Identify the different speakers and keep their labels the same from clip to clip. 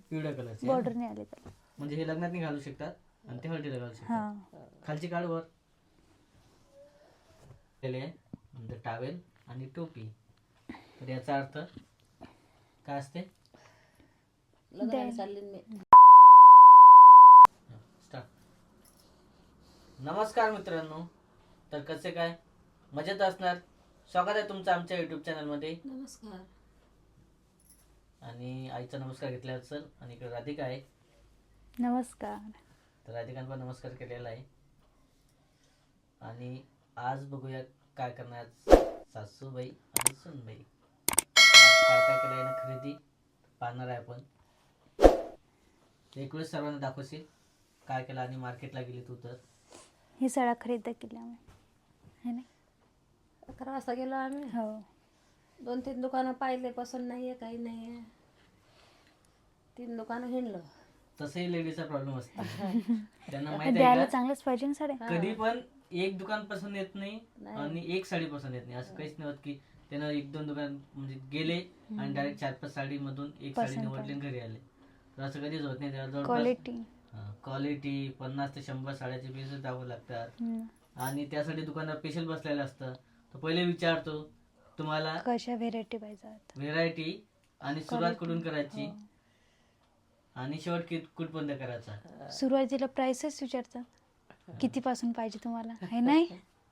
Speaker 1: पिवळ्या कलरची
Speaker 2: बॉर्डर नाही आले त्याला.
Speaker 1: म्हणजे हे लग्नात नाही घालू शकतात आणि ते हळदीला घालू शकतात. खालची काढ वर नंतर टावेल आणि टोपी. तर याचा अर्थ काय असते? स्टार्ट. नमस्कार मित्रांनो, तर कसे काय मजेत असणार. स्वागत आहे तुमचं आमच्या युट्यूब चॅनलमध्ये.
Speaker 3: नमस्कार.
Speaker 1: आणि आईचा नमस्कार घेतला असेल आणि इकडे राधिका आहे.
Speaker 2: नमस्कार.
Speaker 1: तर राधिकांना पण नमस्कार केलेला आहे. आणि आज बघूया काय करणार सासूबाई आणि सुनबाई. काय काय केलं आहे खरेदी पाहणार आहे आपण. एक वेळेस सर्वांना दाखवशील काय केलं. आणि मार्केटला गेली तू तर
Speaker 2: ही साड्या खरेदी केल्या आम्ही, है ना?
Speaker 3: 11 वाजता गेलो आम्ही.
Speaker 2: हो.
Speaker 3: 2-3 दुकानं पाहिले, पसंत नाहीये, काही नाहीये. 3 दुकानं हिंडलो.
Speaker 1: तसंही लेडीजचा प्रॉब्लेम असतो. त्यांना माहिती
Speaker 2: द्यायला
Speaker 1: आहे का
Speaker 2: चांगलंच पाहिजे ना साड्या.
Speaker 1: कधी पण एक दुकान पसंत येत नाही आणि एक साडी पसंत येत नाही. असं काहीच नाही होत की त्यानं 1-2 दुकान म्हणजे गेले आणि डायरेक्ट 4-5 साडी मधून एक साडी निवडली आणि घरी आले. तर असं कधीच होत नाही. त्याला क्वालिटी 50 ते 100 साड्याचे पीस द्यावं लागतात. आणि त्यासाठी दुकानात स्पेशल बसलेलं असतं. तर पहिले विचारतो तुम्हाला
Speaker 2: कशा व्हेरायटी पाहिजे,
Speaker 1: व्हेरायटी आणि सुरुवात कुठून करायची आणि शेवट कुठपर्यंत करायचा.
Speaker 2: सुरुवातीला प्राइसच विचारतात, किती पासून पाहिजे तुम्हाला, है नाही?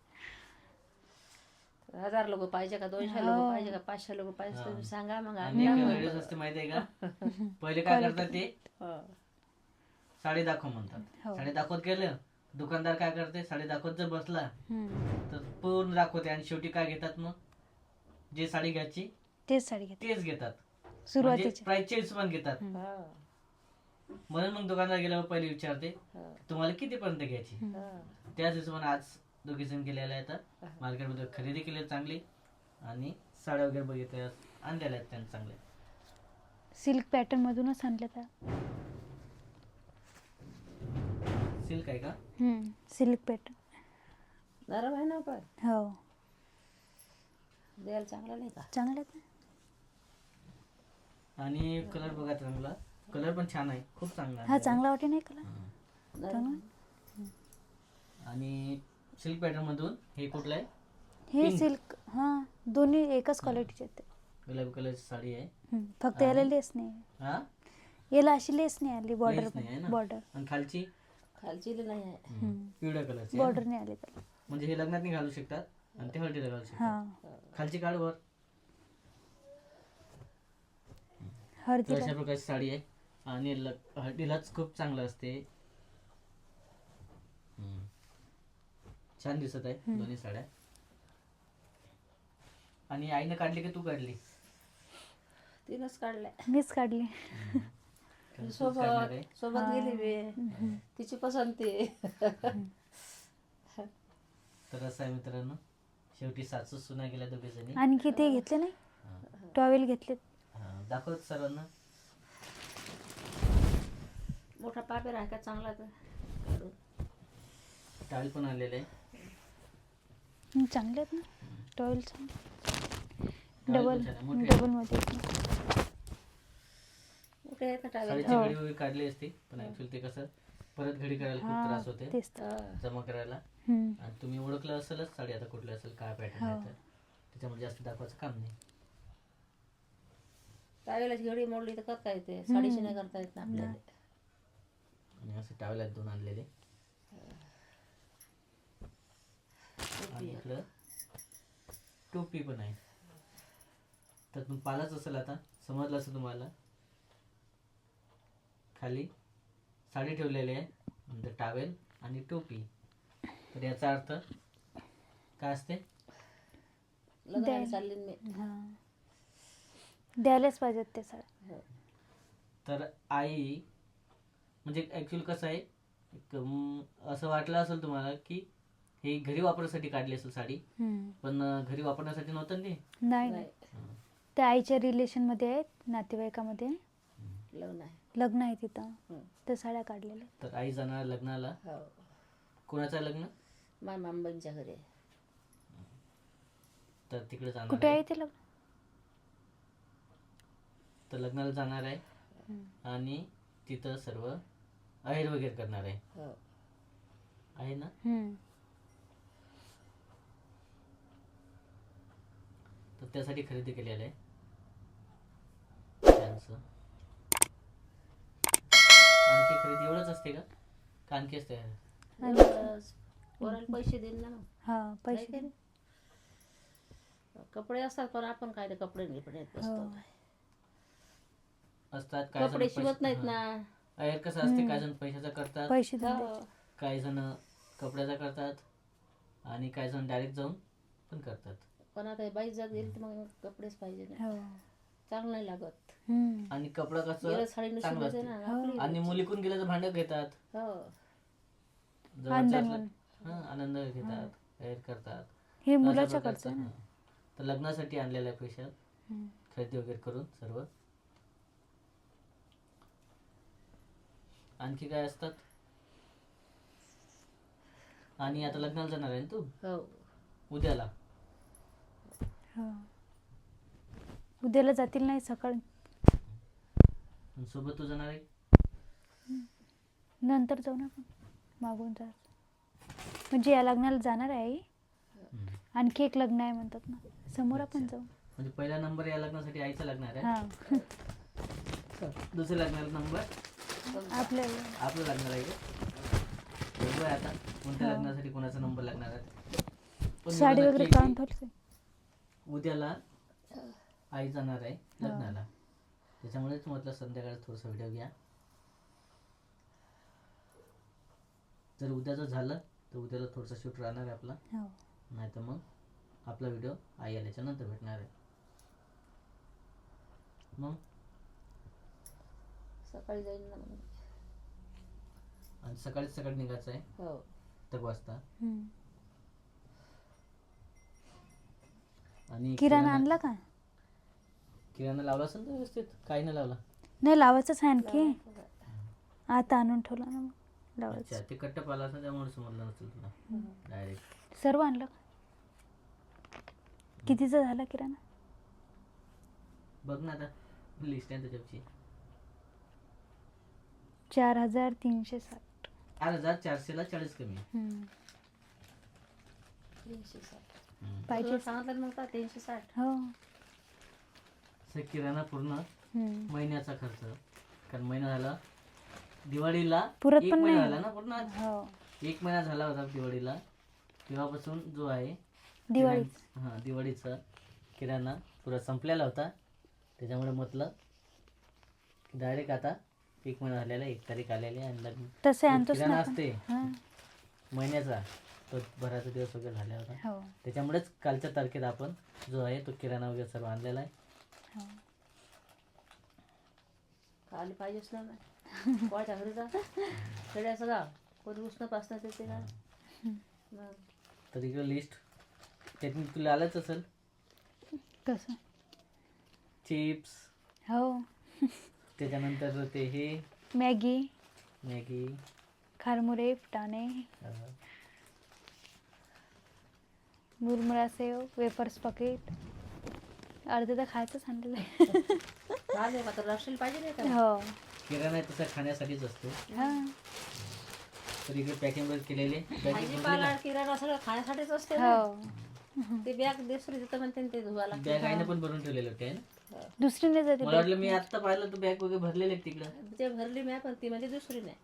Speaker 3: 1000 लोक पाहिजे का, 200 लोक पाहिजे का, 500 लोक पाहिजे, तुम्ही सांगा. मग
Speaker 1: आणि लेडीज असते माहिती आहे का, पहिले काय करतात ते साडी दाखव म्हणतात. साडी दाखवत गेलं, दुकानदार काय करते, साडी दाखवत जर बसला तर पूर्ण दाखवते आणि शेवटी काय घेतात, मग जे साडी घ्यायची
Speaker 2: तेच साडी घेतात,
Speaker 1: तेच घेतात.
Speaker 2: सुरुवातीची
Speaker 1: प्राइसचे हिशोबाने घेतात. म्हणून मग दुकानदार गेल्यावर पहिले विचारते तुम्हाला किती पर्यंत घ्यायची. त्याच हिशोबाने आज दोघी जण गेलेले आहेत मार्केटमध्ये, खरेदी केली चांगली आणि साड्या वगैरे बघितल्या आणलेल्या आहेत त्यांनी चांगल्या.
Speaker 2: सिल्क पॅटर्न मधूनच आणल्या त्या.
Speaker 1: सिल्क आहे का?
Speaker 2: सिल्क पॅटर्न
Speaker 3: नरम आहे ना, पण
Speaker 2: हो
Speaker 3: द्यायला चांगलं नाही का?
Speaker 2: चांगलं आहे.
Speaker 1: आणि कलर बघा चांगला, कलर पण छान आहे, खूप चांगला आहे.
Speaker 2: हा चांगला वाटे नाही कलर.
Speaker 1: आणि सिल्क पॅटर्न मधून हे कुठलं आहे?
Speaker 2: हे सिल्क. हा, दोन्ही एकच क्वालिटीचे आहेत.
Speaker 1: गुलाबी कलरची साडी आहे.
Speaker 2: फक्त याला लेस नाही.
Speaker 1: हा,
Speaker 2: याला अशी लेस नाही आली, बॉर्डर
Speaker 1: लेस नाही आहे ना.
Speaker 2: बॉर्डर
Speaker 1: आणि खालची
Speaker 3: नाही आहे.
Speaker 1: पिवळ्या कलरची
Speaker 2: बॉर्डर नाही आली त्याला.
Speaker 1: म्हणजे हे लग्नात नाही घालू शकतात आणि ते हळदीला घालू शकतात. खालची काढ वर. तर अशा प्रकारची साडी आहे आणि हळदीलाच खूप चांगलं असते. छान दिसत आहे दोन्ही साड्या. आणि आईने काढली की तू काढली?
Speaker 3: तिनंच काढल्या.
Speaker 2: मीच काढली.
Speaker 3: सोबत गेली मी, तिची पसंती.
Speaker 1: तर असं आहे मित्रांनो, शेवटी सासू सुना गेल्या दोघे जणी.
Speaker 2: आणखी ते घेतले नाही, टॉवेल घेतले.
Speaker 1: दाखवत सर्वांना.
Speaker 3: मोठा पापेर आहे का चांगला, तर
Speaker 1: टावेल पण आलेले आहे.
Speaker 2: चांगले आहेत ना टॉवेल.
Speaker 1: डबल
Speaker 2: मध्ये
Speaker 3: मोठे आहेत ना टावेल.
Speaker 1: साडीची घडी वगैरे काढली असती, पण ऍक्च्युअली ते कसं परत घडी करायला खूप त्रास होते जमा करायला. आणि तुम्ही ओळखलं असेलच साडी आता कुठली असेल, काय पॅटर्न आहे, तर त्याच्यामुळे जास्त दाखवायचं काम नाही.
Speaker 3: टावेलाची घडी मोडली तर करता येते, साडीची नाही करता येत ना आपल्याला.
Speaker 1: आणि असे टावेल आहेत 2 आणलेले. आणि इकडं टोपी पण आहे. तर तुम्ही पाहिलंच असेल, आता समजलं असेल तुम्हाला. खाली साडी ठेवलेली आहे, नंतर टावेल आणि टोपी. तर याचा अर्थ काय असते?
Speaker 3: लग्नाला चालली मी.
Speaker 2: द्यायलाच पाहिजेत ते साड्या.
Speaker 1: तर आई म्हणजे ऍक्च्युअली कसं आहे, असं वाटलं असेल तुम्हाला की हे घरी वापरण्यासाठी काढली असेल साडी, पण घरी वापरण्यासाठी नव्हतं ते.
Speaker 2: नाही, त्या आईच्या रिलेशन मध्ये आहेत, नातेवाईकामध्ये लग्न आहे तिथं, त्या साड्या काढलेल्या.
Speaker 1: तर आई जाणार लग्नाला. कोणाचं लग्न?
Speaker 3: माझ्या मामांच्या घरी.
Speaker 1: तर तिकडे जाणार.
Speaker 2: कुठे आहे ते लग्न?
Speaker 1: तर लग्नाला जाणार आहे आणि तिथं सर्व आहेर वगैरे करणार आहे.
Speaker 3: हो.
Speaker 1: आहे ना? तर त्यासाठी खरेदी केलेलं आहे त्यांचं. आणखी खरेदी एवढंच असते का आणखी असते?
Speaker 3: एवढंच. पोराला पैसे देईन ना मग.
Speaker 2: हा
Speaker 3: नाही
Speaker 2: पैसे
Speaker 3: का नाही? कपडे असतात पण आपण काय ते कपडे गिपडे येत बसतो.
Speaker 1: असतात काय
Speaker 3: कपडे शिवत नाहीत ना.
Speaker 1: आहेर कसं असते, काय जण पैशाचा करतात,
Speaker 2: पैसे देऊन
Speaker 3: हो.
Speaker 2: द्यायचे.
Speaker 1: काही जण कपड्याचा करतात आणि काही जण डायरेक्ट जाऊन पण करतात.
Speaker 3: पण आता बाई जात गेली तर मग कपडेच पाहिजे ना.
Speaker 2: हो.
Speaker 3: चांगलं नाही लागत.
Speaker 1: आणि कपडा कसं
Speaker 3: गेलं साडी नुसून
Speaker 1: चांगलं
Speaker 3: देते
Speaker 1: असते.
Speaker 3: ना आपली.
Speaker 1: आणि मुलीकून गेलं तर भांडं घेतात,
Speaker 3: हो.
Speaker 1: जवळचं
Speaker 2: आनंद
Speaker 1: असलं-
Speaker 2: म्हणून.
Speaker 1: आनंद घेतात, आहेर करतात.
Speaker 2: हे
Speaker 1: अशा
Speaker 2: मुलाच्या
Speaker 1: प्रकारचं,
Speaker 2: खर्च ना.
Speaker 1: तर लग्नासाठी आणलेल्या पैशात खरेदी वगैरे करून सर्व. आणखी काय असतात? आणि आता लग्नाला जाणार आहे ना तू
Speaker 3: हो.
Speaker 1: उद्याला?
Speaker 2: हो. उद्याला जातील नाही सकाळी,
Speaker 1: आणि सोबत तू जाणार आहे?
Speaker 2: नंतर जाऊ ना आपण, मागून जा. म्हणजे या लग्नाला जाणार आहे आई, आणखी एक लग्न आहे म्हणतात ना, समोर आपण जाऊ.
Speaker 1: म्हणजे पहिला नंबर या लग्नासाठी आईचा लागणार आहे,
Speaker 2: हा
Speaker 1: दुसऱ्या लग्नाला नंबर
Speaker 2: आपल्याला
Speaker 1: आपलं लागणार आहे का? बरोबर आहे. आता कोणत्या लग्नासाठी कोणाचा नंबर लागणार आहे? पण
Speaker 2: साडी
Speaker 1: मला
Speaker 2: वगैरे
Speaker 1: नक्की
Speaker 2: काढून ठेवली.
Speaker 1: उद्याला आई जाणार आहे लग्नाला, त्याच्यामुळेच म्हटलं संध्याकाळी थोडंसं व्हिडिओ घ्या. जर उद्याचं झालं तर उद्याला थोडंसं शूट राहणार आहे आपला, नाही तर मग आपला व्हिडिओ आई आल्याच्या नंतर भेटणार आहे. मग
Speaker 3: सकाळी जाईल ना मग.
Speaker 1: आणि सकाळी निघायचं आहे
Speaker 3: हो.
Speaker 1: 1 वाजता. आणि
Speaker 2: किराणा आणला का?
Speaker 1: किराणा लावला असेल ना व्यवस्थित? काही नाही लावला?
Speaker 2: नाही लावायचंच आहे आणखी, आता आणून ठेवला ना मग लावायचं.
Speaker 1: अच्छा, ते कट्टप आला असं त्यामुळे समजलं नसेल तुला डायरेक्ट.
Speaker 2: सर्व आणलं का? कितीचा झाला किराणा?
Speaker 1: बघ ना आता लिस्ट आहे त्याच्यावरची.
Speaker 2: 4360.
Speaker 1: 4,440 कमी आहे.
Speaker 3: 360.
Speaker 2: पाहिजे.
Speaker 3: तुला सांगितलं नव्हता 360.
Speaker 2: हो.
Speaker 1: किराणा पूर्ण महिन्याचा खर्च, कारण महिना झाला दिवाळीला,
Speaker 2: पुरत
Speaker 1: एक
Speaker 2: पण
Speaker 1: महिना
Speaker 2: नाही.
Speaker 1: झाला ना पूर्ण.
Speaker 2: हो.
Speaker 1: 1 महिना झाला होता दिवाळीला, तेव्हापासून जो आहे दिवाळीचा किराणा पुरा संपलेला होता. त्याच्यामुळे म्हटलं डायरेक्ट आता 1 महिना झालेला, 1 तारीख आलेली आहे, आणि लग्न
Speaker 2: तसे
Speaker 1: जो
Speaker 2: आणतोच
Speaker 1: किराणा
Speaker 2: ना
Speaker 1: असते
Speaker 2: आपण.
Speaker 1: महिन्याचा, तो भराचा दिवस वगैरे झाला होता.
Speaker 2: हो.
Speaker 1: त्याच्यामुळेच कालच्या तारखेत आपण जो आहे तो किराणा वगैरे सर्व आणलेला आहे.
Speaker 2: हो.
Speaker 3: खाली पाहिजेच ना. कोणाच्या घरी जा खेड्याचं गाव, कोणी उष्ण पासणं येते का मग.
Speaker 1: तर इकडे लिस्ट त्यातून तुला आलंच असेल.
Speaker 2: कसं?
Speaker 1: चिप्स,
Speaker 2: हो.
Speaker 1: त्याच्यानंतर ते हे
Speaker 2: मॅगी, खारमुरे, फुटाणे, मुरमुरा सेव, वेफर्स पॅकेट, अर्धे तर खायचंच आणलेलं आहे.
Speaker 3: चालेल का तर राशील पाहिजे नाही का.
Speaker 2: हो.
Speaker 1: किराणा तसा खाण्यासाठीच असतो.
Speaker 2: हा.
Speaker 1: तर इकडे पॅकिंग वगैरे केलेले
Speaker 3: भाजीपाला किराणा सगळं खाण्यासाठीच असते.
Speaker 2: हो.
Speaker 3: ते बॅग दुसरी तिथं म्हणते ते धुवायला.
Speaker 1: बॅग आईने पण भरून ठेवलेले होते ना.
Speaker 2: दुसरी नाही जाते.
Speaker 1: मला वाटलं मी आता पाहिलं तू बॅग वगैरे भरलेले तिकडं.
Speaker 3: ते भरली मी पण ती म्हणजे दुसरी नाही.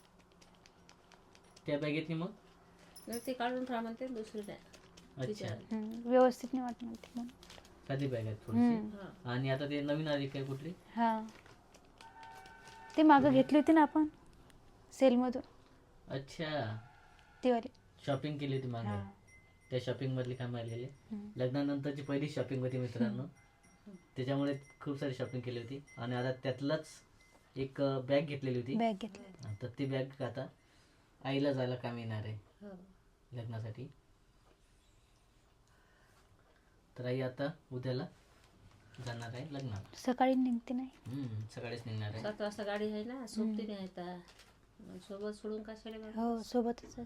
Speaker 1: त्या बॅगेतनी मग
Speaker 3: नाही ते काढून ठेवा म्हणते दुसरी नाही.
Speaker 1: अच्छा,
Speaker 2: व्यवस्थित नाही वाटत म्हणते म्हणून.
Speaker 1: साधी बॅग आहे थोडीशी. आणि आता ते नवीन आली काय कुठली?
Speaker 2: हा, ते मागं घेतली होती ना आपण सेलमधून.
Speaker 1: अच्छा,
Speaker 2: ती वाली.
Speaker 1: शॉपिंग केली होती मागे. त्या शॉपिंग मधली काम आलेली. लग्नानंतरची पहिली शॉपिंग होती मित्रांनो. त्याच्यामुळे खूप सारी शॉपिंग केली होती. आणि आता त्यातलाच एक बॅग घेतलेली होती.
Speaker 2: बॅग घेतली.
Speaker 1: तर ती बॅग आता आईला जायला काम येणार आहे लग्नासाठी. तर आई आता उद्याला जाणार आहे लग्नाला.
Speaker 2: सकाळी निघते नाही.
Speaker 1: सकाळीच निघणार आहे.
Speaker 3: 7 वाजता गाडी आहे ना, सोबती नाही आता. सोबत सोडून कशाला.
Speaker 2: हो, सोबतच.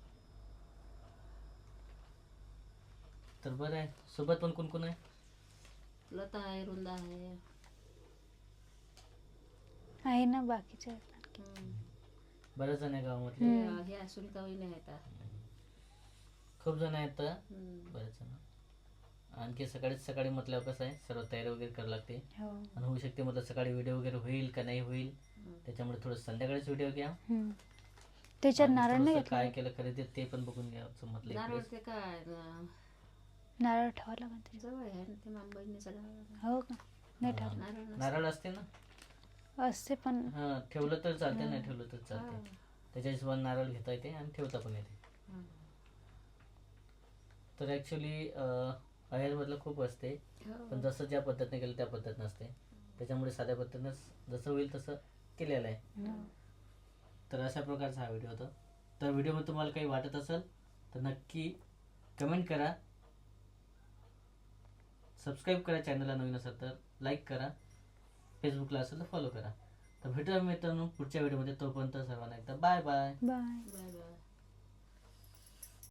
Speaker 1: तर बरं आहे. सोबत पण कोण कोण आहे?
Speaker 3: लता आहे, रुंदा आहे.
Speaker 2: आहे ना बाकीचे आहेत ना.
Speaker 3: हम्म.
Speaker 1: बरेच जण आहे गावामधले.
Speaker 3: हे सुनीता वहिनी आहेत
Speaker 1: खूप जण आहेत तर
Speaker 3: हम्म.
Speaker 1: बरेच जण. आणखी सकाळी म्हटल्यावर कसं आहे सर्व तयारी वगैरे करावी लागते
Speaker 2: हो.
Speaker 1: आणि होऊ शकते म्हटलं सकाळी व्हिडिओ वगैरे होईल का नाही होईल त्याच्यामुळे थोडं संध्याकाळीच व्हिडिओ घ्या.
Speaker 2: त्याच्यात
Speaker 1: आणि
Speaker 2: नारळ नाही
Speaker 1: थोडंसं काय
Speaker 2: घेतलं.
Speaker 1: केलं खरेदी ते पण बघून घ्यायचं म्हटलं
Speaker 3: नारळ
Speaker 1: इकडे.
Speaker 3: ते काय
Speaker 2: नारळ ठेवा लागेल त्याच्यात.
Speaker 3: जवळ आहे ना ते मामबहिणीचा गाव.
Speaker 2: हो का नाही ठेवलं.
Speaker 3: नारळ नसतं.
Speaker 1: नारळ असते ना.
Speaker 2: असते पण
Speaker 1: हा ठेवलं तर चालते नाही ठेवलं तर चालते. त्याच्या हिशोबाने नारळ घेता येते आणि ठेवता पण येते.
Speaker 3: हा.
Speaker 1: तर ॲक्च्युली अहेरमधलं खूप असते
Speaker 3: हो.
Speaker 1: पण जसं ज्या पद्धतीने केलं त्या पद्धत नसते त्याच्यामुळे साध्या पद्धतीनं जसं होईल तसं केलेलं आहे. तर अशा प्रकारचा हा व्हिडिओ होता. तर व्हिडिओमध्ये तुम्हाला काही वाटत असेल तर नक्की कमेंट करा, सबस्क्राईब करा चॅनलला नवीन असेल तर, लाईक करा, फेसबुकला असेल तर फॉलो करा. तर भेटूया मित्रांनो पुढच्या व्हिडिओमध्ये. तोपर्यंत सर्वांना एकदा bye bye.
Speaker 2: Bye.
Speaker 3: Bye bye.